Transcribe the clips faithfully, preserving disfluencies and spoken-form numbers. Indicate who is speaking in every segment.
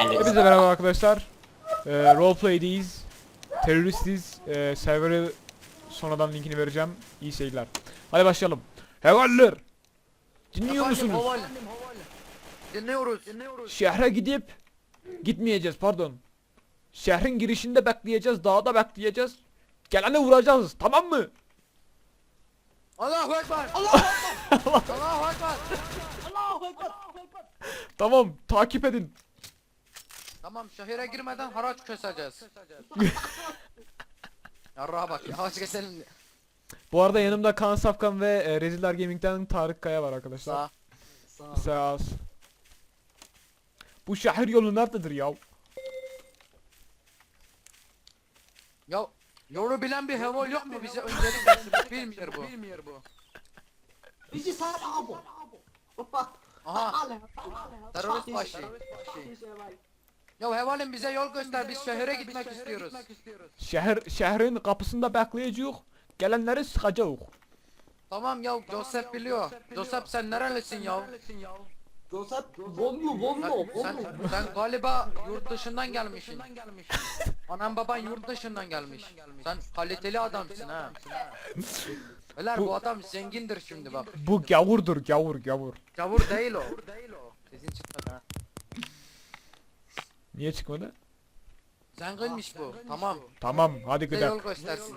Speaker 1: geldiniz.
Speaker 2: Hepinize merhaba arkadaşlar. Ee, roleplay'deyiz. Teröristiz. Ee, server'ı sonradan linkini vereceğim. İyi seyirler. Hadi başlayalım. Hevaller. Dinliyor
Speaker 3: Efendim,
Speaker 2: musunuz?
Speaker 3: havale. Dinliyoruz. Dinliyoruz.
Speaker 2: Şehre gidip gitmeyeceğiz pardon. Şehrin girişinde bekleyeceğiz. Dağda bekleyeceğiz. Geleni vuracağız. Tamam mı?
Speaker 3: Allahu Ekber. Allahu Ekber. Allahu Ekber. Allahu Ekber.
Speaker 2: Tamam. Takip edin.
Speaker 3: Tamam, şehire girmeden haraç keseceğiz. Yarrağa bak, yavaş keselim.
Speaker 2: Bu arada yanımda Kaan Safkan ve e, Reziller Gaming'den Tarık Kaya var arkadaşlar.
Speaker 3: Sağ.
Speaker 2: Sağ ol. Bu şehir yolu nerededir ya?
Speaker 3: Ya yolu bilen bir heval yok mu bize öncelik versin? Bilmiyor bu. Bilmiyor bu.
Speaker 4: Bizi sar abi.
Speaker 3: Aha, terörist başı. Ya hevalin bize yol göster, biz şehire gitmek istiyoruz.
Speaker 2: Şehir şehrin kapısında bekleyeceğiz. Gelenleri sıkacağız.
Speaker 3: Tamam ya, Joseph biliyor. Joseph sen nerelisin ya?
Speaker 4: Joseph Bonlu
Speaker 3: Sen,
Speaker 4: Bonlu
Speaker 3: sen,
Speaker 4: Bonlu.
Speaker 3: sen galiba yurt dışından gelmişsin. Anan baban yurt dışından gelmiş. Sen kaliteli adamsın ha. Beyler
Speaker 2: Bu-
Speaker 3: bu adam zengindir şimdi bak.
Speaker 2: Bu gavurdur gavur gavur.
Speaker 3: Gavur değil o. Sesin çıkmadı ha.
Speaker 2: Niye çıkmadı?
Speaker 3: Zenginmiş bu. Tamam.
Speaker 2: Tamam hadi
Speaker 3: Bize yol
Speaker 2: gidelim.
Speaker 3: göstersin.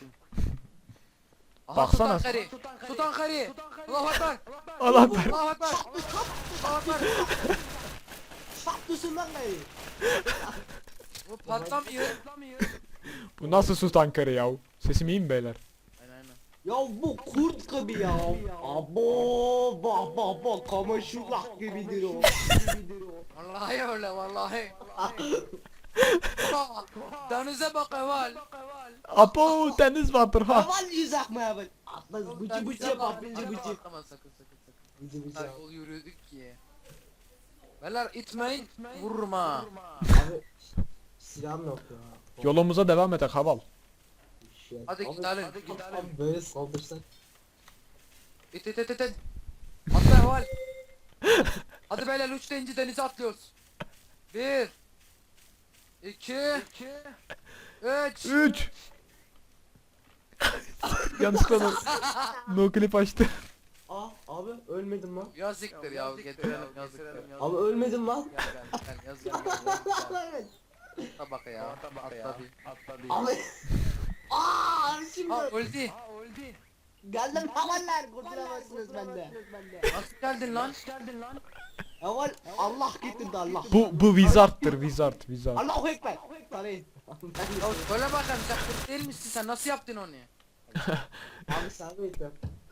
Speaker 3: Aha,
Speaker 2: Baksana.
Speaker 3: Sultan Kari. Sultan Kari. Allahu Ekber.
Speaker 2: Allah ver.
Speaker 3: Allahu Ekber. Allahu Ekber.
Speaker 4: Saptısın lan gayri.
Speaker 3: Bu patlamıyor.
Speaker 2: Bu nasıl Sultan Kare ya? Sesim iyi mi beyler?
Speaker 3: Aynen aynen.
Speaker 4: Ya bu kurt gibi ya. Abo bak bak bak kamaşullah gibidir o.
Speaker 3: Vallahi öyle vallahi. Aa, denize bak Eval.
Speaker 2: Apo deniz vardır ha.
Speaker 4: Haval yüzak mı haval? Atmaz bıcı bıcı yapar bıcı bıcı.
Speaker 3: Atlama sakın sakın sakın.
Speaker 4: Bıcı bıcı.
Speaker 3: Ay, yol yürüdük ki. Beyler itmeyin, vururum ha.
Speaker 4: Abi silahım yok ya.
Speaker 2: Yolumuza devam edelim haval.
Speaker 4: Shit.
Speaker 3: Hadi
Speaker 4: Abi,
Speaker 3: gidelim,
Speaker 4: abi,
Speaker 3: gidelim.
Speaker 4: abi böyle saldırsak.
Speaker 3: İt it it it it. Atla Eval. Hadi beyler üç deyince denize atlıyoruz. Bir. İki. Üç.
Speaker 2: Üç. Yanlışlıkla no, no clip açtı.
Speaker 4: Aa abi ölmedim lan.
Speaker 3: Yazıktır ya, getirelim yazıktır.
Speaker 4: Abi ölmedim lan.
Speaker 3: Gel gel gel yaz gel gel.
Speaker 4: Evet.
Speaker 3: Atla bak ya. Atla bir.
Speaker 4: Abi. Aa şimdi.
Speaker 3: Ha öldü.
Speaker 4: Geldim havaller kurtulamazsınız bende.
Speaker 3: Nasıl geldin lan?
Speaker 4: Haval Allah getirdi Allah.
Speaker 2: Bu bu wizard'tır wizard wizard.
Speaker 4: Allahu Ekber. Tanıyın.
Speaker 3: Ya söyle bakalım sen kurt değil misin sen nasıl yaptın onu?
Speaker 4: Abi sen mi ettin?